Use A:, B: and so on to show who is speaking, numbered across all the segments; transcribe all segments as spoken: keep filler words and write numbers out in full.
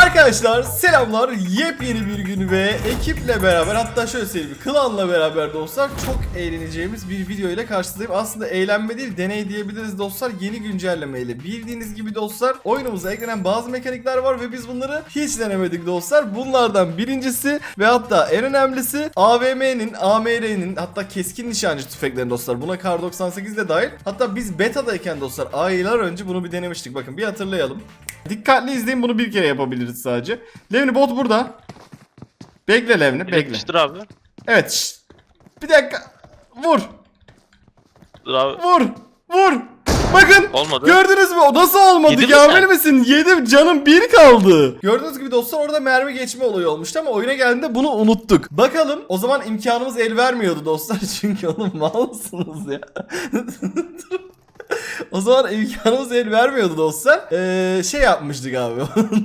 A: Arkadaşlar selamlar, yepyeni bir gün ve ekiple beraber, hatta şöyle söyleyeyim, klanla beraber dostlar çok eğleneceğimiz bir video ile karşınızdayım. Aslında eğlenme değil, deney diyebiliriz dostlar, yeni güncellemeyle. Bildiğiniz gibi dostlar oyunumuza eklenen bazı mekanikler var ve biz bunları hiç denemedik dostlar. Bunlardan birincisi ve hatta en önemlisi A V M'nin, A M R'nin, hatta keskin nişancı tüfeklerin dostlar. Buna Kar doksan sekiz de dahil. Hatta biz betadayken dostlar aylar önce bunu bir denemiştik. Bakın bir hatırlayalım. Dikkatli izleyin, bunu bir kere yapabiliriz sadece. Levni bot burada. Bekle Levni, bekle.
B: Yapıştır abi.
A: Evet. Şşt. Bir dakika. Vur.
B: Dur abi.
A: Vur. Vur. Bakın.
B: Olmadı.
A: Gördünüz mü? O nasıl olmadı?
B: Yedi mi
A: Kamil
B: sen?
A: misin? Yedim. Canım bir kaldı. Gördüğünüz gibi dostlar orada mermi geçme olayı olmuştu ama oyuna geldiğinde bunu unuttuk. Bakalım. O zaman imkanımız el vermiyordu dostlar. Çünkü oğlum malsınız ya. O zaman imkanımız el vermiyordu dostlar. Ee, şey yapmıştık abi.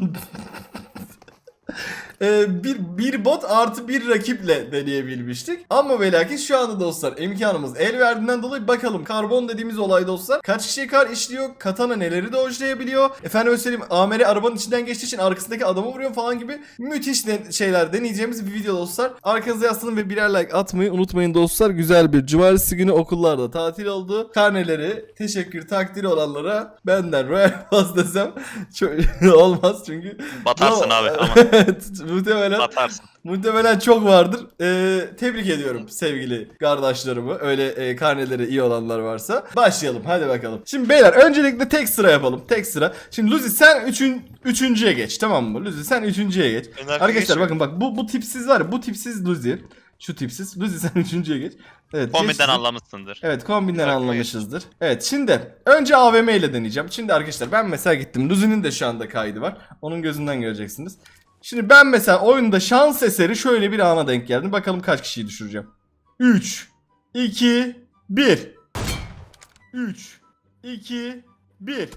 A: Ee, bir, bir bot artı bir rakiple deneyebilmiştik. Ama ve lakin şu anda dostlar imkanımız el verdiğinden dolayı bakalım karbon dediğimiz olay dostlar kaç kişiye kar işliyor, katana neleri dojlayabiliyor, efendim söyleyeyim A M R arabanın içinden geçtiği için arkasındaki adamı vuruyor falan gibi müthiş de şeyler deneyeceğimiz bir video dostlar. Arkanıza yaslanın ve birer like atmayı unutmayın dostlar. Güzel bir cumartesi günü, okullarda tatil oldu. Karneleri teşekkür takdiri olanlara benden Royal Pass desem çok olmaz çünkü
B: Batarsın abi ama.
A: Muhtemelen,
B: Batarsın.
A: muhtemelen çok vardır. Ee, tebrik ediyorum sevgili kardeşlerimi. Öyle e, karneleri iyi olanlar varsa. Başlayalım hadi bakalım. Şimdi beyler öncelikle tek sıra yapalım. Tek sıra. Şimdi Luzi sen üçün, üçüncüye geç, tamam mı? Luzi sen üçüncüye geç.
B: Önemli
A: Arkadaşlar
B: geçiyor.
A: bakın bak bu, bu tipsiz var ya, bu tipsiz Luzi. Şu tipsiz. Luzi sen üçüncüye geç. Evet,
B: Kombinden
A: geçsin.
B: anlamışsındır.
A: Evet, kombinden
B: Güzel,
A: anlamışızdır. Evet, şimdi önce A V M ile deneyeceğim. Şimdi arkadaşlar ben mesela gittim. Luzi'nin de şu anda kaydı var. Onun gözünden göreceksiniz. Şimdi ben mesela oyunda şans eseri şöyle bir ana denk geldim. Bakalım kaç kişiyi düşüreceğim. üç, iki, bir. üç, iki, bir.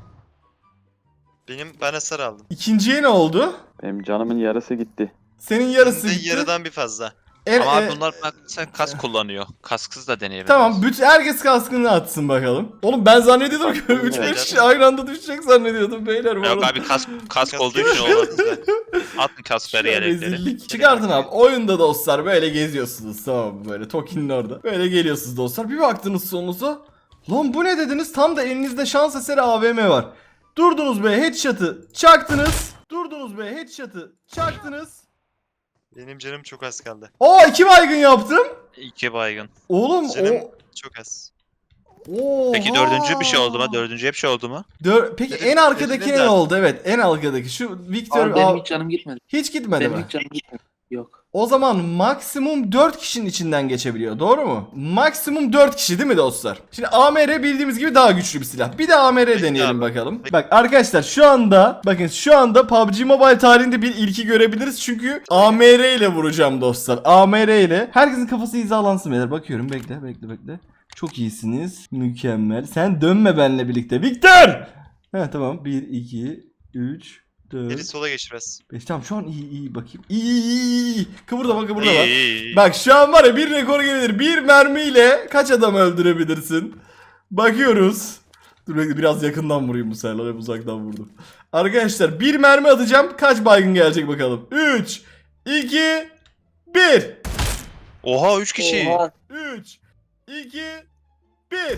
C: Benim ben hasar aldım.
A: İkinciye ne oldu?
D: Benim canımın yarısı gitti.
A: Senin yarısı
C: Benim de
A: gitti.
C: yarıdan bir fazla.
A: En-
B: Ama
A: e,
B: abi bunlar bak sen kask kullanıyor. Kasksız da deneyebiliriz.
A: Tamam, bütün herkes kaskını atsın bakalım. Oğlum ben zannediyordum ki üç beş kişi aynı anda düşecek zannediyordum beyler. bu
B: Yok
A: arada.
B: abi kask kask
C: Kask
B: olduğu için
C: yok.
B: olmaz bize. Atın kaskları
A: Şöyle
B: yelekleri.
A: rezillik. Çıkartın abi. Oyunda dostlar böyle geziyorsunuz, tamam mı? Böyle Toki'nin orada. Böyle geliyorsunuz dostlar. Bir baktınız sonunuza. Lan bu ne dediniz? Tam da elinizde şans eseri A V M var. Durdunuz be, headshot'ı çaktınız. Durdunuz be, headshot'ı çaktınız.
C: Benim canım çok az kaldı.
A: Aa, iki baygın yaptım.
B: İki baygın.
A: Oğlum
C: Canım
A: o...
C: çok az.
A: Oha.
B: Peki dördüncü bir şey oldu mu? Dördüncü bir şey oldu mu?
A: Dör... Peki
C: Dedim-
A: en arkadaki
C: dedim
A: ne
C: zaten.
A: oldu? Evet, en arkadaki. Şu Victor...
E: Abi benim
A: Aa,
E: hiç canım gitmedi.
A: hiç gitmedi
E: Benim
A: mi?
E: hiç canım gitmedi. Yok.
A: O zaman maksimum dört kişinin içinden geçebiliyor. Doğru mu? Maksimum dört kişi değil mi dostlar? Şimdi A M R bildiğimiz gibi daha güçlü bir silah. Bir de A M R
C: Peki
A: deneyelim
C: abi.
A: bakalım.
C: Peki.
A: Bak arkadaşlar şu anda bakın şu anda P U B G Mobile tarihinde bir ilki görebiliriz. Çünkü A M R ile vuracağım dostlar. A M R ile. Herkesin kafası hizalansın beyler. Bakıyorum, bekle bekle bekle. Çok iyisiniz. Mükemmel. Sen dönme benimle birlikte. Victor! He tamam. bir, iki, üç,
C: Biri
A: dört,
C: sola geç biraz.
A: beş. Tamam şu an iyi iyi bakayım. İyi iyi iyi iyi. Kıvırdama kıvırdama.
B: İyi, iyi, iyi.
A: Bak şu an var ya, bir rekor gelir. Bir mermiyle kaç adam öldürebilirsin? Bakıyoruz. Dur bekle, biraz yakından vurayım bu sefer. Hep uzaktan vurdum. Arkadaşlar bir mermi atacağım. Kaç baygın gelecek bakalım. üç, iki, bir.
B: Oha üç kişi.
E: Oha.
A: üç, iki, bir.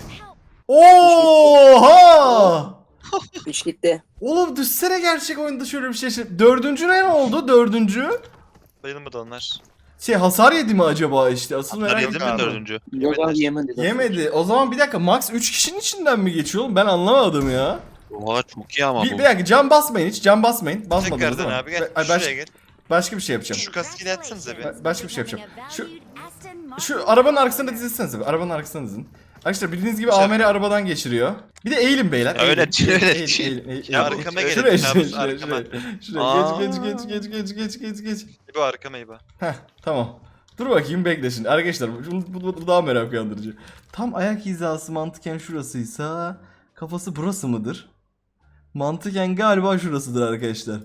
A: Oha!
E: Üç gitti.
A: Oğlum düşsene gerçek oyunda şöyle bir şey. Dördüncü ne oldu? Dördüncü?
C: Bayılmadı onlar.
A: Şey hasar yedi mi acaba işte? Asıl
B: Bunlar
A: merak
B: yedi mi
A: ediyorum.
B: dördüncü?
E: Yok
C: Yemediler.
E: abi yemedi.
A: Yemedi. O zaman bir dakika, max üç kişinin içinden mi geçiyor oğlum? Ben anlamadım ya.
B: Oha çok iyi ama
A: Bir,
B: bu.
A: bir dakika, cam basmayın hiç. Cam basmayın. Basmadınız
C: Tekrardan
A: değil mi?
C: abi gel.
A: Ay, baş-
C: Şuraya gel.
A: başka bir şey yapacağım.
C: Şu kaskıyla atsanıza bir.
A: Ba- başka bir şey yapacağım. Şu şu arabanın arkasında dizilsenize. Arabanın arkasında dizin. Arkadaşlar bildiğiniz gibi
C: Şey-
A: A M R arabadan geçiriyor. Bir de eğilin beyler.
B: Ya öyle
A: eğilin.
B: değil, öyle
A: Eğilin,
B: değil.
A: eğilin, eğilin,
C: Ya
A: eğilin.
C: arkama gelin,
A: Şuraya,
C: kabus
A: şuraya, şuraya,
C: arkama.
A: şuraya. Şuraya.
B: Aa.
A: Geç, geç, geç, geç, geç, geç, geç, geç.
C: İbo arkama İbo.
A: Heh, tamam. Dur bakayım, bekle şimdi. Arkadaşlar bu, bu, bu- bu daha merak uyandırıcı. Tam ayak hizası mantıken şurasıysa kafası burası mıdır? Mantıken galiba şurasıdır arkadaşlar.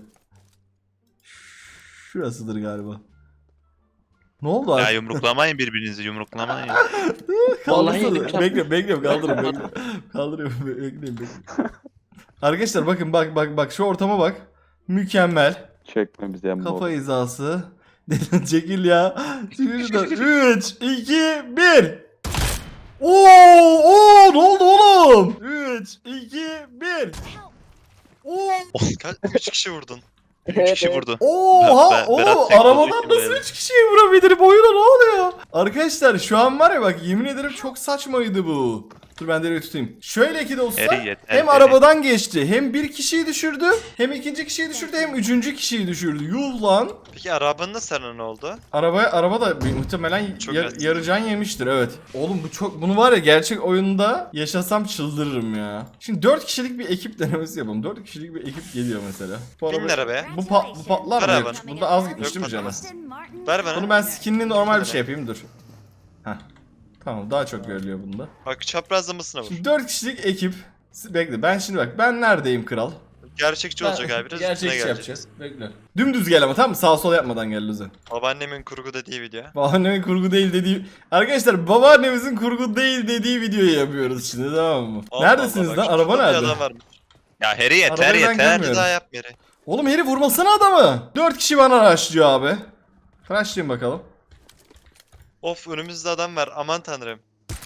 A: Şurasıdır galiba. Ne oldu
B: Ya
A: abi?
B: yumruklamayın birbirinizi yumruklamayın.
E: Vallahi
A: Kaldırsana.
E: yedim,
A: Bekle, bekle, kaldırın, bekle. Kaldırıyorum, bekleyin, bekleyin. Arkadaşlar bakın, bak bak bak şu ortama bak. Mükemmel.
D: Çekme bize emmi
A: Kafa
D: oğlum.
A: hizası. Çekil ya. Çekil şuradan. üç, iki, bir. Oo, oo, ne oldu oğlum? üç, iki, bir. Oo.
C: Kaç? üç kişi vurdun.
B: üç kişi vurdu.
A: Oha
B: Ben-
A: oğlum
B: Berat tek
A: arabadan
B: olduğu için
A: nasıl
B: böyle.
A: üç kişiyi vurabilirim oyuna ne oluyor? Arkadaşlar şu an var ya bak yemin ederim çok saçmaydı bu. Dur ben de tutayım. Şöyle ki dostlar
B: Eri yeter,
A: hem
B: eri.
A: arabadan geçti hem bir kişiyi düşürdü hem ikinci kişiyi düşürdü hem üçüncü kişiyi düşürdü. Yuh lan.
C: Peki arabanın da sana ne oldu?
A: Arabaya araba da bir- muhtemelen
C: Çok
A: yar,
C: az.
A: yarıcan yemiştir evet. Oğlum bu çok bunu var ya gerçek oyunda yaşasam çıldırırım ya. Şimdi dört kişilik bir ekip denemesi yapalım. dört kişilik bir ekip geliyor mesela. Bu
C: Bin
A: araba-
C: arabaya.
A: Bu, pa- bu patlar mı?
C: Beraber.
A: Burada az gitmiş değil mi canım?
C: patlamaz. Ver bana.
A: Bunu ben skinli normal bir şey yapayım dur. Heh. Tamam daha çok görülüyor bunda.
C: Bak çaprazlamasına vur.
A: Şimdi dört kişilik ekip. Bekle ben şimdi bak ben neredeyim kral?
C: Gerçekçi olacak abi. Biraz üstüne
A: Gerçekçi
C: geleceğiz.
A: yapacağız. Bekle. Dümdüz gel ama tamam mı? Sağ sol yapmadan gel Luzen.
C: Babaannemin kurgu dediği video.
A: Babaannemin kurgu değil dediği... Arkadaşlar babaannemizin kurgu değil dediği videoyu yapıyoruz şimdi tamam mı?
C: Allah
A: Neredesiniz
C: Allah,
A: lan?
C: bak
A: Araba
C: şurada bir
A: nerede?
C: adam varmış.
B: Ya Harry yeter
A: Arabayı ben
B: yeter.
A: görmüyorum.
C: Bir daha yap yeri.
A: Oğlum herif vurmasana adamı. Dört kişi bana araştırıyor abi. Araştırayım bakalım.
C: Of önümüzde adam var. Aman tanrım.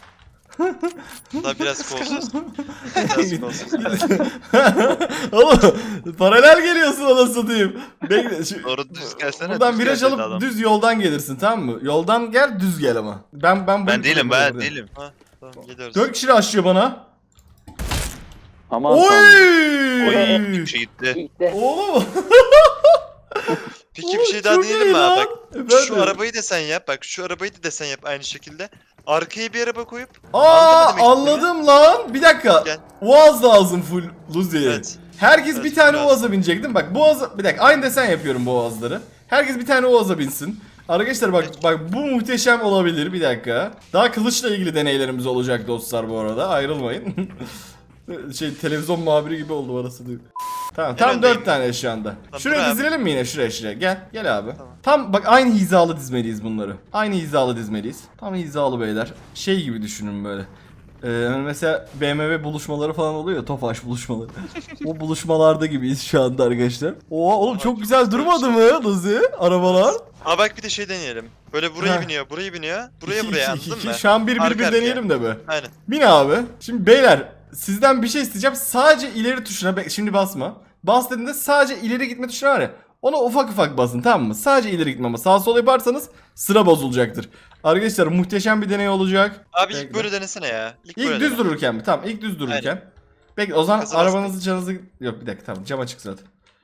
C: Daha biraz kolsuz. Biraz kolsuz.
A: Oğlum paralel geliyorsun ona satayım. Bekle. Şu,
B: Doğru düz gelsene.
A: buradan
B: düz
A: viraj
B: gel dedi
A: alıp
B: adam.
A: düz yoldan gelirsin tamam mı? Yoldan gel düz gel ama. Ben ben
B: Ben değilim ben
A: buradayım.
B: değilim.
C: Ha, tamam gidiyoruz.
A: Dört kişi açlıyor bana.
D: Aman tanrım.
B: Oy
A: Oy!
B: bir şey gitti.
E: İlkte.
A: Oğlum.
C: Peki bir şey daha
A: Çok
C: diyelim
A: iyi
C: mi
A: lan.
C: abi? Bak
A: Efendim?
C: şu arabayı da sen yap. Bak şu arabayı da sen yap aynı şekilde. Arkaya bir araba koyup.
A: Aa
C: Anladın mı demek
A: anladım lan. Bir dakika.
C: Gel.
A: Oğaz lazım full Luzi.
C: Evet.
A: Herkes
C: Evet,
A: bir tane
C: biraz.
A: Oğaz'a binecek değil mi? Bak Boğaz'a bir dakika aynı desen yapıyorum bu Oğaz'ları. Herkes bir tane Oğaz'a binsin. Arkadaşlar bak bak bu muhteşem olabilir bir dakika. Daha kılıçla ilgili deneylerimiz olacak dostlar bu arada. Ayrılmayın. şey televizyon muhabiri gibi oldu orası diyor. Tamam tam
C: öndeyim.
A: dört tane şu anda.
C: Tamam,
A: Şuraya
C: dur abi.
A: dizilelim mi yine şuraya şuraya? Gel gel abi.
C: Tamam.
A: Tam bak aynı hizalı dizmeliyiz bunları. Aynı hizalı dizmeliyiz. Tam hizalı beyler. Şey gibi düşünün böyle. Ee, hani mesela B M W buluşmaları falan oluyor ya, Tofaş buluşmaları. O buluşmalarda gibiyiz şu anda arkadaşlar. Oha oğlum
C: Oha,
A: çok
C: çok
A: güzel
C: güzel
A: durmadı
C: bir
A: mı Luzi? Arabalar.
C: Aa bak bir de şey deneyelim. Böyle buraya
A: Heh.
C: biniyor, buraya biniyor, buraya
A: İki,
C: buraya
A: iki,
C: anladın
A: iki.
C: mı?
A: Şu an bir bir
C: Arka
A: bir
C: arkaya.
A: deneyelim de be.
C: Aynen.
A: Bin abi. Şimdi beyler sizden bir şey isteyeceğim. Sadece ileri tuşuna bek- şimdi basma. Bas dediğinde sadece ileri gitme tuşuna var ya. Ona ufak ufak basın tamam mı? Sadece ileri gitme ama sağ sol yaparsanız sıra bozulacaktır. Arkadaşlar muhteşem bir deney olacak.
C: Abi
A: Bekle.
C: ilk böyle denesene ya. İlk,
A: İlk
C: böyle
A: düz
C: dene.
A: dururken mi? Tamam ilk düz dururken.
C: Aynen.
A: Bekle o zaman
C: Gaza
A: arabanızı canınızı... Yok bir dakika tamam cam açık zaten.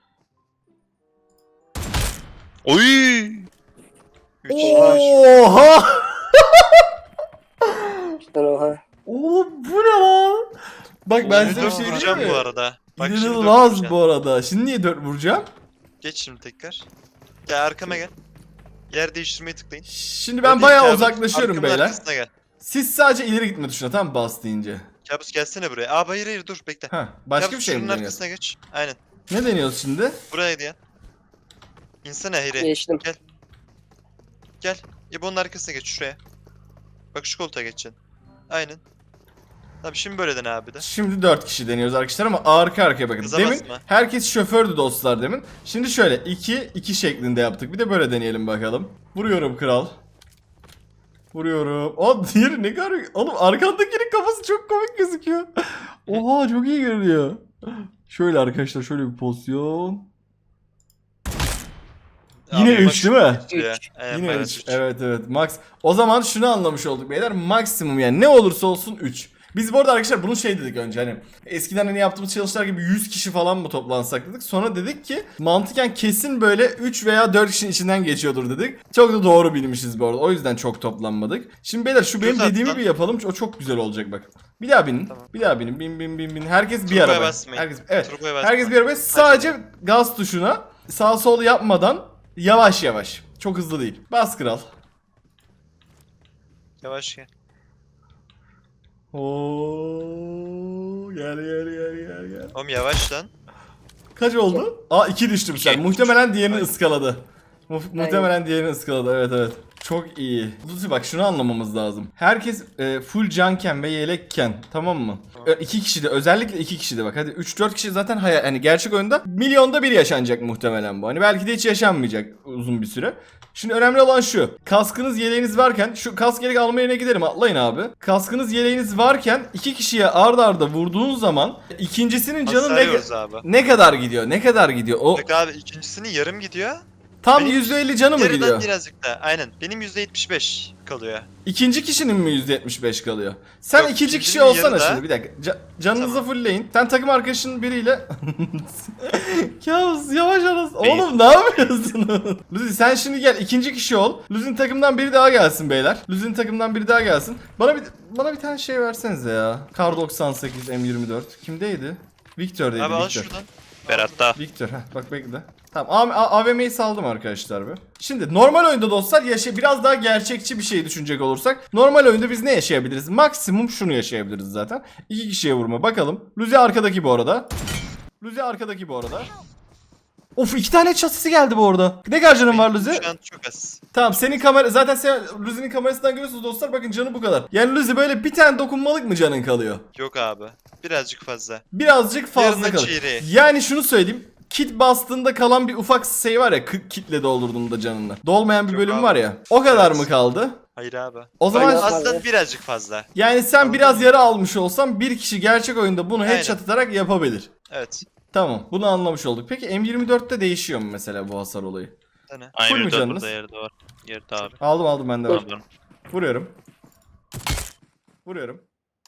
B: Oy.
C: Üç.
A: Oha!
E: İşte oha.
A: Oğlum bu ne lan? Bak ben size bir
C: dört
A: şey
C: vuracağım
A: diyeyim
C: bu
A: mi?
C: arada. Bak şimdi dört
A: İnanılmaz
C: vuracağım.
A: bu arada. Şimdi niye dört vuracağım?
C: Geç şimdi tekrar. Gel arkama gel. Yer değiştirmeyi tıklayın.
A: Şimdi ben
C: Öyle
A: bayağı
C: değil, kabus.
A: uzaklaşıyorum
C: Arkamın
A: beyler.
C: arkasına gel.
A: Siz sadece ileri gitme tuşuna tamam mı bas deyince.
C: Kabus gelsene buraya. Aa hayır hayır dur bekle.
A: Ha, başka
C: Kabus
A: bir şey mi
C: şunun
A: deniyoruz?
C: arkasına geç. Aynen.
A: Ne deniyoruz şimdi?
C: Buraya diyen. İnsene Heri.
E: Geçtim.
C: Gel. İbo'nun arkasına geç şuraya. Bak şu koltuğa geçeceksin. Aynen. Tabii şimdi böyle dene abi de.
A: Şimdi dört kişi deniyoruz arkadaşlar ama arka arkaya bakın.
C: Gaza
A: Demin
C: basma.
A: herkes şofördü dostlar demin. Şimdi şöyle iki iki şeklinde yaptık. Bir de böyle deneyelim bakalım. Vuruyorum kral. Vuruyorum. O diğeri ne kadar... Oğlum arkandakinin kafası çok komik gözüküyor. Oha çok iyi görünüyor. Şöyle arkadaşlar şöyle bir pozisyon. Yine
C: Abi bak
A: üç değil mi?
C: şu ya.
E: Üç.
C: Aynen,
A: Yine
C: minus
A: üç.
C: üç.
A: Evet evet max. O zaman şunu anlamış olduk beyler. Maksimum yani ne olursa olsun üç. Biz bu arada arkadaşlar bunu şey dedik önce hani eskiden hani yaptığımız challenge'lar gibi yüz kişi falan mı toplansak dedik. Sonra dedik ki mantıken kesin böyle üç veya dört kişinin içinden geçiyordur dedik. Çok da doğru bilmişiz bu arada. O yüzden çok toplanmadık. Şimdi beyler şu benim
C: Düz at
A: dediğimi
C: lan.
A: bir yapalım. O çok güzel olacak bak. Bir daha binin.
C: Tamam.
A: Bir daha binin. Bin bin bin bin. Herkes bir
C: Turboya
A: araba.
C: basmayın.
A: Herkes evet.
C: Turboya basma.
A: Herkes bir araba. Sadece gaz tuşuna sağ sol yapmadan yavaş yavaş. Çok hızlı değil. Bas kral.
C: Yavaş gel.
A: Oo, gel gel gel gel gel.
C: Oğlum yavaş lan.
A: Kaç oldu? Aa iki düştüm sen.
B: İki.
A: Muhtemelen diğerini
C: Aynen.
A: ıskaladı. Mu- muhtemelen diğerini ıskaladı. Evet evet. Çok iyi. Luzi bak şunu anlamamız lazım. Herkes e, full canken ve yelekken, tamam mı? E, iki kişi de, özellikle iki kişi de bak. Hadi üç dört kişi zaten hayal, hani gerçek oyunda milyonda bir yaşanacak muhtemelen bu. Hani belki de hiç yaşanmayacak uzun bir süre. Şimdi önemli olan şu. Kaskınız yeleğiniz varken, şu kask yelek alma yerine gidelim, atlayın abi. Kaskınız yeleğiniz varken iki kişiye ard arda vurduğun zaman ikincisinin canı ne,
C: Hasarıyoruz abi.
A: ne kadar gidiyor? Ne kadar gidiyor? O
C: Bak abi ikincisinin yarım gidiyor.
A: tam
C: benim
A: yüzde elli canı mı
C: Yarıdan
A: gidiyor?
C: birazcık da. Aynen. Benim yüzde yetmiş beş kalıyor.
A: İkinci kişinin mi yüzde yetmiş beş kalıyor? Sen
C: Yok,
A: ikinci kişi
C: ikincinin
A: olsana
C: yarıda.
A: şimdi bir dakika. Ca- canınızı
C: Tamam.
A: fullleyin. Sen takım arkadaşının biriyle... Kabus yavaş arası.
B: Beyin.
A: Oğlum ne yapıyorsun? Luzi sen şimdi gel ikinci kişi ol. Luzi'nin takımdan biri daha gelsin beyler. Luzi'nin takımdan biri daha gelsin. Bana bir bana bir tane şey versenize ya. Kar doksan sekiz M yirmi dört. Kimdeydi? Victor'daydı.
C: Abi al
A: Victor.
C: şuradan.
B: Berat'ta.
A: Victor, heh, bak bekle. Tamam, A- A- AVM'yi saldım arkadaşlar be. Şimdi normal oyunda dostlar yaşa biraz daha gerçekçi bir şey düşünecek olursak, normal oyunda biz ne yaşayabiliriz? Maksimum şunu yaşayabiliriz zaten. İki kişiye vurma. Bakalım. Luzi arkadaki bu arada. Luzi arkadaki bu arada. Of, iki tane çatısı geldi bu arada. Ne kadar canın var Luzi?
C: Şu an çok az.
A: Tamam, senin kamera zaten sen Luzi'nin kamerasından görüyorsunuz dostlar, bakın canı bu kadar. Yani Luzi böyle bir tane dokunmalık mı canın kalıyor?
C: Yok abi. Birazcık fazla.
A: Birazcık fazla
C: Yarına
A: kalır.
C: çeyreği.
A: Yani şunu söyleyeyim. Kit bastığında kalan bir ufak şey var ya, k- kitle doldurduğunda canını. Dolmayan bir
C: Yok
A: bölüm
C: abi.
A: var ya. O kadar
C: Evet.
A: mı kaldı?
C: Hayır abi.
A: O zaman
E: Aynen.
C: Aslında birazcık fazla.
A: yani sen biraz yara almış olsan bir kişi gerçek oyunda bunu
C: Aynen.
A: headshot atarak yapabilir.
C: Evet.
A: Tamam, bunu anlamış olduk. Peki M yirmi dörtte değişiyor mu mesela bu hasar olayı?
C: Hani.
A: Full
B: Aynı
A: mü
B: burada
A: canınız?
B: yerde var. Yerde abi.
A: Aldım aldım ben de. var.
B: Tamam.
A: Vuruyorum. Vuruyorum.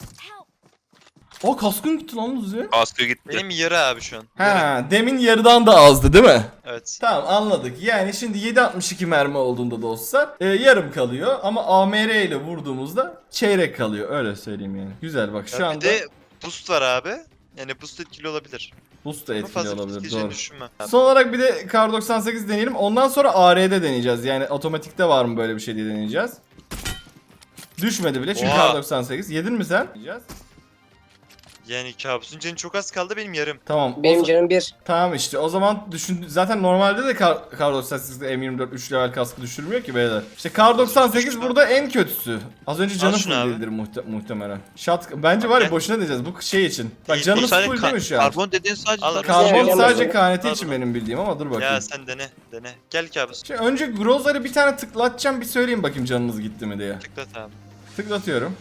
A: O kaskın gitti lan Luzi.
B: Kaskı gitti.
C: Benim yarı abi şu an. Yarı.
A: Ha, demin yarıdan da azdı değil mi?
C: Evet.
A: Tamam, anladık. Yani şimdi yedi altmış iki mermi olduğunda dostlar e, yarım kalıyor ama A M R ile vurduğumuzda çeyrek kalıyor, öyle söyleyeyim yani. Güzel bak şu
C: Ya
A: anda
C: bir de boost var abi. Yani boost etkili olabilir.
A: boost da
C: Ama
A: etkili
C: fazla boost
A: olabilir,
C: etkileyeceğini
A: doğru.
C: düşünmem. Abi.
A: Son olarak bir de Kar doksan sekiz deneyelim. Ondan sonra A R'de deneyeceğiz. Yani otomatikte var mı böyle bir şey diye deneyeceğiz. Düşmedi bile çünkü
C: Oha.
A: Kar doksan sekiz. Yedin mi sen? Deneyeceğiz.
C: Yani kabusun canı çok az kaldı, benim yarım.
A: Tamam. o
E: Benim
A: za-
E: canım bir.
A: Tamam işte o zaman düşün, zaten normalde de Kar, Kar doksan sekizde M yirmi dört üç level kaskı düşürmüyor ki beyler. İşte Kar doksan sekiz
C: Düştü.
A: burada en kötüsü. Az önce canı
C: şunu
A: full
C: abi.
A: değildir muhte- muhtemelen. Shot bence var ya
C: Gel.
A: boşuna diyeceğiz bu şey için. Bak
C: Değil,
A: canınız
B: Sadece
A: full
B: ka-
A: değil mi şu an?
B: Karbon dediğin sadece
C: Al,
B: sadece-
A: Karbon
E: Güzel,
A: sadece
E: güzel.
A: K N T
C: Al
A: için
C: bunu.
A: benim bildiğim ama dur bakayım.
C: Ya sen dene, dene. Gel kabus.
A: Şimdi önce Groza'yı bir tane tıklatacağım, bir söyleyeyim bakayım canınız gitti mi diye.
C: Tıklat abi.
A: Tıklatıyorum.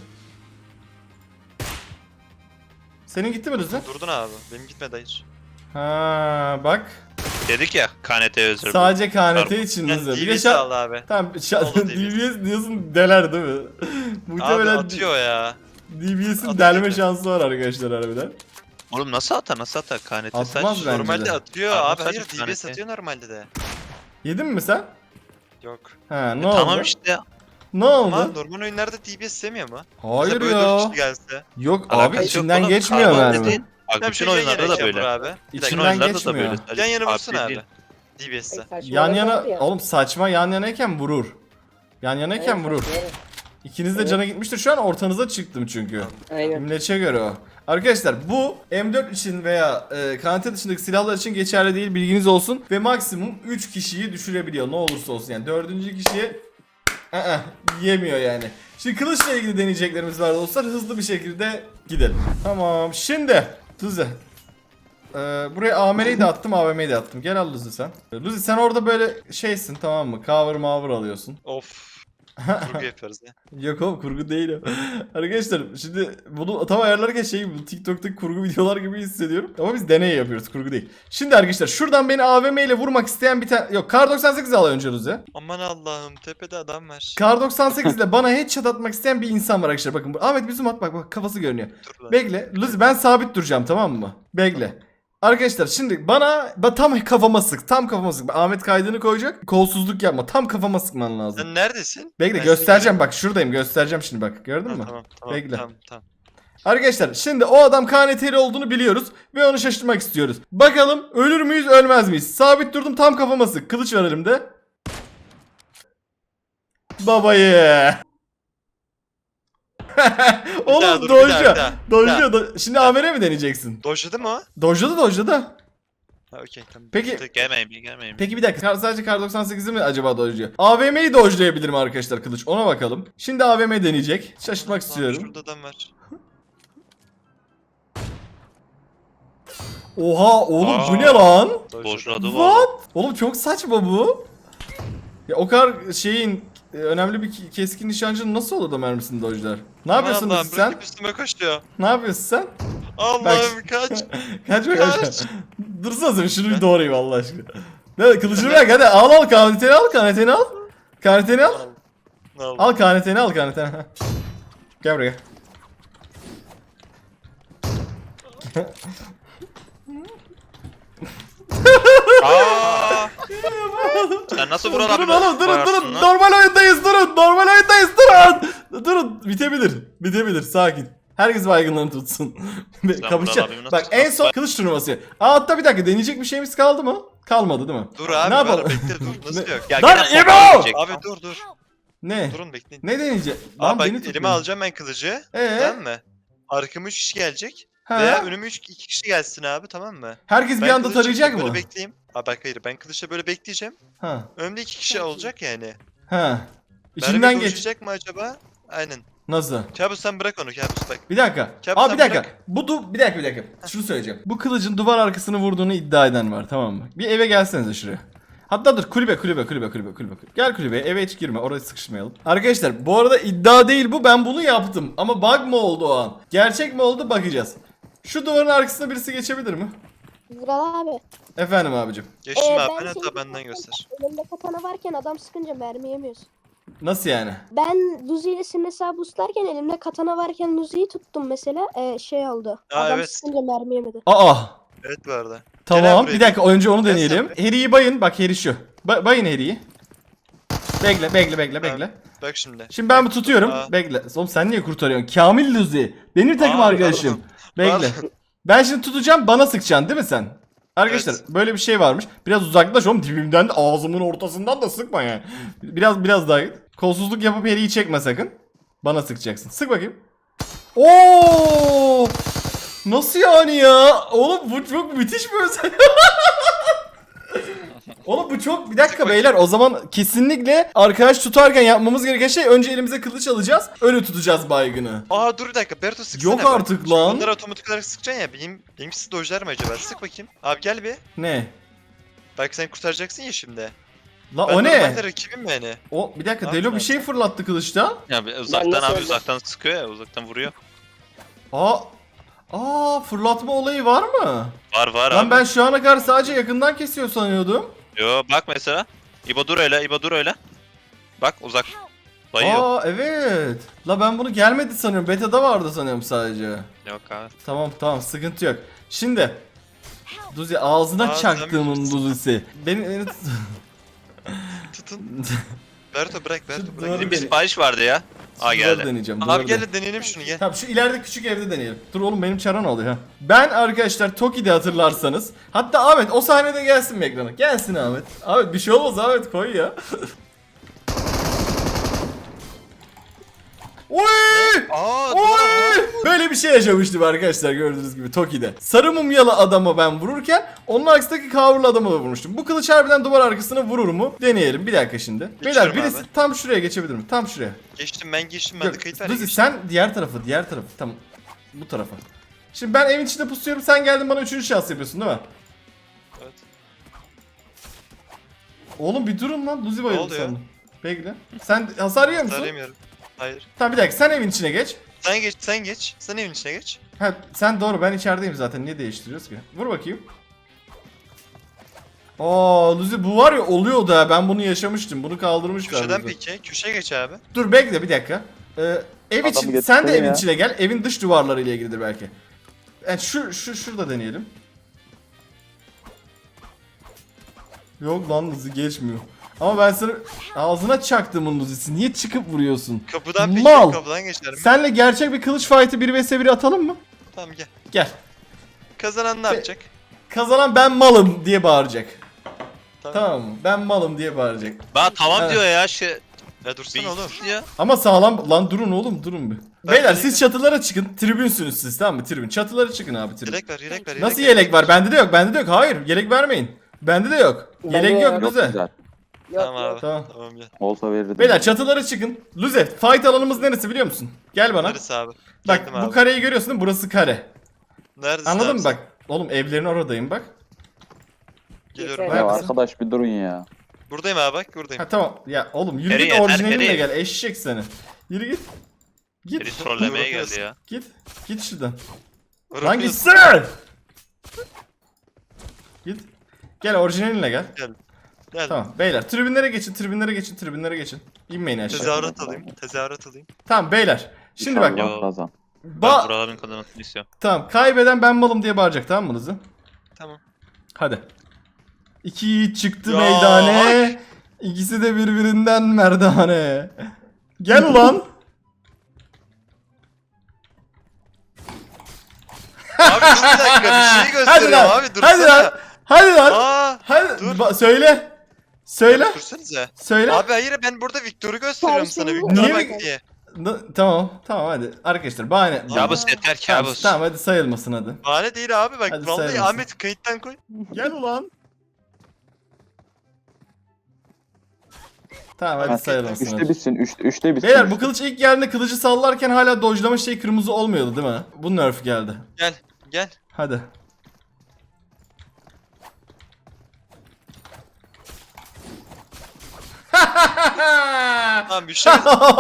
A: Senin gitti mi Rıza?
C: Durdun abi. Benim gitmedi hayır.
A: Ha bak.
B: Dedik ya K N T özür.
A: Sadece K N T
B: Pardon.
A: için
C: Yani
A: Rıza. Bir de
C: D B S
A: şa-
C: al abi.
A: Tamam, şa-
C: Oldu
A: D B S diyorsun deler değil mi?
C: Abi
A: Muhtemelen
C: atıyor ya.
A: D B S'in
C: Atıyor
A: delme
C: gibi.
A: şansı var arkadaşlar harbiden.
B: Oğlum nasıl atar nasıl atar K N T
A: Atmaz
B: sadece.
A: bence
C: Normalde
A: de.
C: atıyor
B: Abi
C: abi.
B: sadece
C: Hayır, D B
B: tanesi.
C: S atıyor normalde de.
A: Yedin mi sen?
C: Yok.
A: Ha, ne
B: E,
A: oldu?
B: tamam işte.
A: Ne
C: Ama
A: oldu?
C: normal oyunlarda D B S sevmiyor mu?
A: Hayır
C: Mesela böyle dört
A: ya.
C: kişi gelse.
A: Yok
B: Alakası
A: abi
B: yok
A: içinden
B: oğlum.
A: geçmiyor
B: Karbon
A: mermi.
B: dediğin- Bak
C: Tamam,
B: bütün
C: şey yan
B: oyunlarda
C: yana
B: da
C: şey
B: böyle.
C: yapar abi. Bir
B: Bütün
A: İçinden
C: dakika.
B: oyunlarda da
A: geçmiyor.
B: böyle. Sadece
C: Yan yana vursana
B: abi
C: abi.
B: değil.
C: D B S'te.
A: Yan yana oğlum saçma, yan yanayken vurur. Yan yanayken
E: Evet,
A: vurur.
E: evet.
A: İkiniz de
E: Evet.
A: cana gitmiştir. Şu an ortanıza çıktım çünkü.
E: Aynen.
A: İmleçe göre o. Arkadaşlar bu M dört için veya e, K N T dışındaki silahlar için geçerli değil, bilginiz olsun. Ve maksimum üç kişiyi düşürebiliyor ne olursa olsun. Yani dördüncü kişiye ı-ı, yemiyor yani. Şimdi kılıçla ilgili deneyeceklerimiz var dostlar. Hızlı bir şekilde gidelim. Tamam şimdi Luzi. Ee, buraya A M R'yi de attım, A V M'yi de attım. Gel al Luzi sen. Luzi sen orada böyle şeysin, tamam mı? Cover mavr alıyorsun.
C: Of. Kurgu yapıyoruz ya.
A: Yok oğlum, kurgu değil o. Arkadaşlar şimdi bunu tam ayarlarken şey, bu TikTok'taki kurgu videolar gibi hissediyorum. Ama biz deney yapıyoruz, kurgu değil. Şimdi arkadaşlar şuradan beni A V M ile vurmak isteyen bir tane... Yok, Kar doksan sekiz al önce Luzi.
C: Aman Allah'ım, tepede adam var.
A: Kar doksan sekiz ile bana headshot atmak isteyen bir insan var arkadaşlar. Bakın bu- Ahmet bir zoom at, bak bak kafası görünüyor.
C: Dur lan.
A: Bekle Luzi, ben sabit duracağım tamam mı? Bekle. Arkadaşlar şimdi bana ba- tam kafama sık, tam kafama sık. Ahmet kaydını koyacak, kolsuzluk yapma, tam kafama sıkman lazım.
C: Sen neredesin?
A: Bekle
C: Ben seni
A: göstereceğim, bak şuradayım, göstereceğim şimdi, bak gördün
C: Ha,
A: mü?
C: Tamam tamam
A: Bekle.
C: tamam tamam.
A: Arkadaşlar şimdi o adam K N T'li olduğunu biliyoruz ve onu şaşırtmak istiyoruz. Bakalım ölür müyüz, ölmez miyiz? Sabit durdum, tam kafama sık. Kılıç var elimde. Babayı.
C: daha
A: Oğlum
C: dur, bir daha, bir
A: dojluyor.
C: daha, bir
A: Dojluyor. do- Şimdi A M R mi deneyeceksin?
C: Dojladı mı o?
A: Dojladı dojladı.
C: Ha okey tamam.
A: Peki-
C: Tek-
B: Gelmeyin bir gelmeyin.
A: Peki bir dakika. Kar- Sadece kar doksan sekizi mi acaba dojluyor? A V M'yi dojlayabilir mi arkadaşlar kılıç? Ona bakalım. Şimdi A V M deneyecek. Şaşırtmak
C: Tamam,
A: istiyorum.
C: Şurada adam var.
A: Oha oğlum bu
B: Aa.
A: ne lan?
B: Boşladı valla.
A: What? Oğlum çok saçma bu. Ya o kadar şeyin e, önemli bir ki- keskin nişancının nasıl olur da mermisini dojlar? Ne yapıyorsun
C: Allah'ım,
A: Luzi sen?
C: bırakıp üstüme koşuyor.
A: Ne yapıyorsun sen?
C: Allah'ım kaç.
A: Kaçma
C: Kaç.
A: kaçma. Dursana sen şunu bir doğrayayım Allah aşkına. Ne kılıcını bırak hadi al al kaneteni al kaneteni al. Kaneteni al.
C: Ne oldu?
A: Al kaneteni al kaneteni. Heh. Gel buraya.
B: Aa! Sen nasıl Vural abi
A: Durun oğlum durun
B: varsın
A: durun.
B: lan?
A: Normal oyundayız durun. Normal oyundayız durun. Durun bitebilir. Bitebilir sakin. Herkes baygınlarını tutsun. Kapışacak.
B: Vural abimi nasıl
A: Bak en
B: tutmazsın?
A: son kılıç turnuvası. Aa hatta bir dakika deneyecek bir şeyimiz kaldı mı? Kalmadı değil mi?
C: Dur abi
A: Ne
C: var
A: yapalım?
C: bekle dur nasıl
A: Ne-
C: yok?
B: Ya
A: Lan
B: gene
A: İbo!
B: popcorn yiyecek.
C: Abi dur dur.
A: Ne?
C: Durun bekleyin.
A: Ne deneyecek?
C: Abi
A: Lan
C: bak
A: beni
C: elime
A: tutmuyor.
C: alacağım ben kılıcı.
A: Ee?
C: Tamam mı? Arkama üç kişi gelecek.
A: Ha?
C: Veya önüme üç iki kişi gelsin abi tamam mı?
A: Herkes bir
C: Ben
A: anda
C: kılıçla
A: tarayacak
C: böyle
A: mı?
C: bekleyeyim. Abi bak hayır ben kılıçla böyle bekleyeceğim.
A: Ha.
C: Önümde iki kişi olacak yani.
A: Ha. İçinden
C: Mermi
A: geç.
C: dolaşacak mı acaba? Aynen.
A: Nasıl?
C: Kabus sen bırak onu Kabus bak.
A: Bir dakika.
C: Kabus
A: Abi
C: sen
A: bir dakika.
C: bırak.
A: Bu du bir dakika bir dakika. Şunu söyleyeceğim. Bu kılıcın duvar arkasını vurduğunu iddia eden var tamam mı? Bir eve gelsenize şuraya. Hatta dur kulübe kulübe kulübe kulübe kulübe. Gel kulübeye eve hiç girme oraya sıkışmayalım. Arkadaşlar bu arada iddia değil bu ben bunu yaptım. Ama bug mı oldu o an? Gerçek mi oldu bakacağız. Şu duvarın arkasına birisi geçebilir mi?
F: Vural abi.
A: Efendim abicim.
C: Geçtim
F: Ee,
C: abi
F: ben
C: ben
F: seni
C: hatta benden
F: zaten
C: göster.
F: Elinde katana varken adam sıkınca mermi yemiyorsun.
A: Nasıl yani?
F: Ben Luzi ile senin hesabı uslarken elimde katana varken Luzi'yi tuttum mesela ee, şey oldu.
C: Aa,
F: adam
C: evet.
F: sıkınca mermi yemedi.
A: Aa.
C: Evet bu arada.
A: Tamam
C: buraya.
A: bir dakika önce onu
C: Gel
A: deneyelim.
C: sen
A: Harry'i bayın bak Harry şu. Ba- bayın Harry'i. Bekle bekle bekle bekle.
C: Bak şimdi.
A: Şimdi ben bu tutuyorum.
C: Aa.
A: Bekle. Oğlum sen niye kurtarıyorsun? Kamil Luzi. Benim takım
C: Aa,
A: arkadaşım. Bekle.
C: Pardon.
A: Ben şimdi tutacağım bana sıkacaksın değil mi sen? Arkadaşlar
C: Evet.
A: böyle bir şey varmış. Biraz uzaklaş oğlum dibimden de ağzımın ortasından da sıkma yani. Biraz biraz daha git. Kolsuzluk yapıp Harry'i çekme sakın. Bana sıkacaksın. Sık bakayım. Oo! Nasıl yani ya? Oğlum bu çok müthiş bir özel. Oğlum bu çok bir dakika beyler o zaman kesinlikle arkadaş tutarken yapmamız gereken şey önce elimize kılıç alacağız öyle tutacağız baygını.
C: Aa dur bir dakika Berto sıksana.
A: Yok
C: bak.
A: artık
C: Şimdi
A: lan.
C: Bunları otomatik olarak sıkacaksın ya. Benim, benimkisi dojlar mı acaba? Sık bakayım. Abi gel bir.
A: Ne?
C: Bak sen kurtaracaksın ya şimdi.
A: La
C: Ben
A: o ne?
C: normalde rakibim yani.
A: O bir dakika
C: Ne
A: Delo bir
C: yapacağız?
A: şey fırlattı kılıçtan.
B: Ya bir uzaktan
E: nasıl
B: abi
E: öldüm?
B: uzaktan sıkıyor ya uzaktan vuruyor.
A: Aa. Aa fırlatma olayı var mı?
B: Var var
A: Lan
B: abi.
A: ben şu ana kadar sadece yakından kesiyor sanıyordum.
B: Yo bak mesela. İbo dur öyle İbo dur öyle. Bak uzak. Dayıyor.
A: Aa evet. La ben bunu gelmedi sanıyorum. Beta'da vardı sanıyorum sadece.
B: Yok abi.
A: Tamam tamam sıkıntı yok. Şimdi Duzi ağzına
C: Aa, sen
A: çaktığımın
C: bilirsin.
A: Duzi'si. Beni, beni tut-
C: Tutun. Berto bırak Berto
A: Doğru.
C: bırak.
B: Bizim bir
A: beni-
B: sipariş vardı ya. Aa
A: Duvarı
B: geldi.
A: deneyeceğim.
C: Abi
A: duvarı
C: gel
A: de-
C: de deneyelim şunu gel.
A: Tamam şu ileride küçük evde deneyelim. Dur oğlum benim çara ne oluyor ha? Ben arkadaşlar Toki'de hatırlarsanız. Hatta Ahmet o sahnede gelsin mi ekrana? Gelsin Ahmet. Ahmet bir şey olmaz Ahmet koy ya. Oy!
C: Aa
A: Oy!
C: dur.
A: Böyle bir şey yaşamıştım arkadaşlar gördüğünüz gibi Toki'de. Sarı mumyalı adama ben vururken onun arkasındaki kavurlu adama da vurmuştum. Bu kılıç harbiden duvar arkasına vurur mu? Deneyelim bir dakika şimdi. Beyler
C: Geçiyorum
A: birisi
C: abi.
A: tam şuraya geçebilir mi? Tam şuraya.
C: Geçtim ben geçtim ben de
A: Yok,
C: kayıt var ya
A: Luzi
C: geçtim.
A: sen diğer tarafı, diğer tarafı. Tamam. Bu tarafa. Şimdi ben evin içinde pusuyorum, sen geldin bana üçüncü şans yapıyorsun değil mi?
C: Evet.
A: Oğlum bir durun lan, Luzi bayıldı
C: oldu ya?
A: sandım. Bekle. Sen hasar yiyor musun?
C: Sarayamıyorum. Hayır.
A: Tamam bir dakika, sen evin içine geç.
C: Sen geç sen geç. Sen evin içine geç.
A: Ha, sen doğru, ben içerideyim zaten, niye değiştiriyoruz ki? Vur bakayım. Aa Luzi bu var ya oluyor da ben bunu yaşamıştım, bunu kaldırmışlar.
C: Köşeden
A: Luzi.
C: peki. Köşeye geç abi.
A: Dur bekle bir dakika. Ee, ev
D: Adamı
A: için,
D: getirsene
A: sen de evin
D: ya.
A: içine gel, evin dış duvarları ile ilgilidir belki. Yani şu, şu, şurada deneyelim. Yok lan Luzi geçmiyor. Ama ben sana ağzına çaktım Luzi'si. Niye çıkıp vuruyorsun?
C: Kapıdan peki.
A: Mal.
C: Kapıdan geçerim.
A: Senle gerçek bir kılıç fight'ı bir vs bir atalım mı?
C: Tamam gel.
A: Gel.
C: Kazanan ne
A: Be-
C: yapacak?
A: Kazanan ben malım diye bağıracak.
C: Tamam.
A: Tamam mı? Ben malım diye bağıracak.
B: Bana tamam
A: Evet.
B: diyor ya şey.
C: Ya dursana
B: Bir
C: oğlum.
B: ya.
A: Ama sağlam lan, durun oğlum, durun bir.
C: Ben
A: Beyler
C: yelek-
A: siz çatılara çıkın. Tribünsünüz siz, tamam mı? Tribün. Çatılara çıkın abi, tribün.
C: Yelek ver yelek ver.
A: Nasıl yelek var? Bende de yok. Bende de yok. Hayır, yelek vermeyin. Bende de yok.
E: Bende
A: Yelek
E: yok.
A: yok
D: Yok
A: Luze.
D: güzel.
E: Yok
C: Tamam
E: yok.
C: abi.
A: Tamam.
C: Tamam gel.
D: Olsa verirdim.
A: Beyler çatılara çıkın. Luze, fight alanımız neresi biliyor musun? Gel bana.
C: Neresi abi?
A: Bak
C: Geldim
A: bu
C: abi.
A: kareyi görüyorsun değil mi? Burası kare.
C: Neredesin
A: Anladın
C: abi
A: mı
C: sen?
A: bak? Oğlum evlerin oradayım bak.
C: Geliyorum.
E: Yeter.
D: Ya
A: Neredesin?
D: arkadaş bir durun ya.
C: Buradayım abi bak buradayım.
A: Ha tamam. Ya oğlum yürü
B: Nereye,
A: git,
B: ner-
A: orijinalinle
B: nereye?
A: gel. Eşek seni. Yürü git. Git.
B: Biri trollemeye geldi ya.
A: Git. Git şuradan. Lan
C: Bırakıyorsun.
A: gitsene. Git. Gel orijinalinle gel.
C: Gel.
A: Tamam beyler tribünlere geçin, tribünlere geçin, tribünlere geçin. İnmeyin aşağı.
C: Tezahürat alayım. Tezahürat alayım.
A: Tamam beyler. Şimdi bak.
D: İnşallah
B: Yo.
D: kazan.
B: Ben
A: Ba
B: buraların kazanmasını istiyorum.
A: tamam, kaybeden ben malım diye bağıracak, tamam mı Lızı?
C: Tamam.
A: Hadi. İki yiğit çıktı
C: Ya,
A: meydane. İkisi de birbirinden merdane. Gel ulan.
C: Abi dur bir dakika bir şey
A: Hadi
C: gösteriyorum
A: lan.
C: abi dursana.
A: Hadi lan. Hadi lan.
C: Aa.
A: Hadi.
C: dur.
A: Ba- söyle. Söyle.
C: Dursanıza.
A: Söyle.
C: Abi hayır ben burada Victor'u gösteriyorum sana.
F: Niye
C: Victor'a
A: mi-
C: bak diye.
A: N- tamam. Tamam hadi. Arkadaşlar bahane.
B: Kabus yeter
A: Tamam,
B: kabus.
A: tamam hadi sayılmasın hadi.
C: Bahane değil abi bak.
A: Hadi
C: Vallahi
A: saymasın.
C: Ahmet kayıttan koy.
A: Gel ulan. Tamam hadi
D: Ha,
A: sayılmasın.
D: Üçte
A: hadi.
D: bitsin. Üç, üçte bitsin.
A: Beyler bu kılıç ilk geldiğinde kılıcı sallarken hala dojlama şey kırmızı olmuyordu değil mi? Bu nerf geldi.
C: Gel. Gel.
A: Hadi.
C: Tamam bir şey.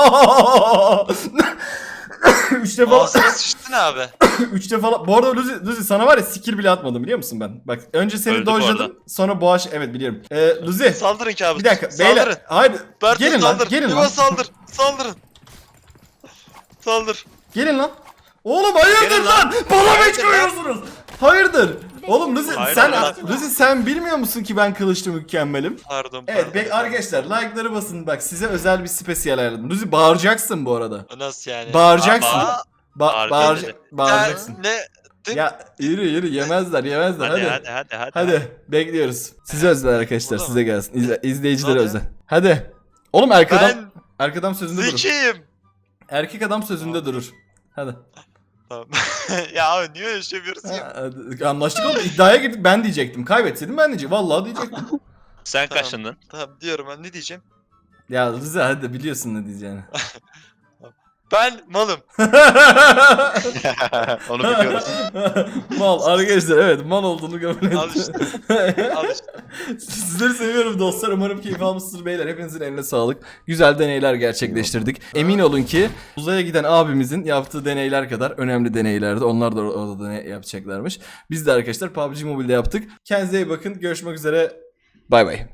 A: Üç defa,
C: Ağzına sıçtın abi.
A: üç defa. Bu arada Luzi, Luzi sana var ya skill bile atmadım biliyor musun ben? Bak önce seni
B: Öldü bu
A: dojladım,
B: arada.
A: sonra boğaç, evet biliyorum. Ee, Luzi
C: Saldırın kabus.
A: bir dakika
C: Saldırın.
A: beyler, hayır
C: Bertu
A: gelin lan,
C: saldır.
A: gelin
C: İbo
A: lan,
C: saldır. Saldırın. Saldır.
A: gelin lan. Oğlum hayırdır
C: Gelin
A: lan?
C: lan.
A: Bana mı
C: Hayırdır
A: koyuyorsunuz? Hayırdır. Oğlum Luzi
B: Hayırdır
A: sen
B: lan.
A: Luzi sen bilmiyor musun ki ben kılıçlı mükemmelim?
C: Pardon
A: Evet
C: pardon.
A: be, arkadaşlar like'ları basın, bak size özel bir spesiyel ayarladım. Luzi bağıracaksın bu arada.
C: Nasıl yani?
A: Bağıracaksın.
C: Aa,
A: Ba
B: Bağır-
A: bağır
B: dedi.
A: bağıracaksın.
C: Ne?
A: Ya yürü yürü, yemezler yemezler
B: Hadi
A: hadi.
B: hadi hadi hadi.
A: Hadi bekliyoruz. Size özel arkadaşlar,
C: Burada
A: size gelsin. İzle, izleyicilere
C: Hadi.
A: özel. Hadi. Oğlum erkek adam,
C: Ben
A: erkek adam sözünde durur.
C: zekiyim.
A: Erkek adam sözünde durur. Hadi.
C: Tamam. ya abi niye öyle şey yapıyorsun ya?
A: Ha, hadi. Anlaştık oğlum, iddiaya girdik, ben diyecektim. Kaybetseydim ben diyecektim. Vallahi diyecektim.
B: Sen
C: Tamam.
B: kaçındın?
C: Tamam diyorum ben ne diyeceğim?
A: Ya Rıza hadi, biliyorsun ne diyeceğini.
C: Ben malım.
B: Onu biliyoruz.
A: Mal arkadaşlar, evet mal olduğunu kabul
C: Al
A: ettim.
C: işte. Al işte.
A: Sizleri seviyorum dostlar. Umarım keyif almışsınız beyler. Hepinizin eline sağlık. Güzel deneyler gerçekleştirdik. Emin olun ki uzaya giden abimizin yaptığı deneyler kadar önemli deneylerdi. Onlar da orada deney yapacaklarmış. Biz de arkadaşlar P U B G Mobile'de yaptık. Kendinize iyi bakın. Görüşmek üzere. Bay bay.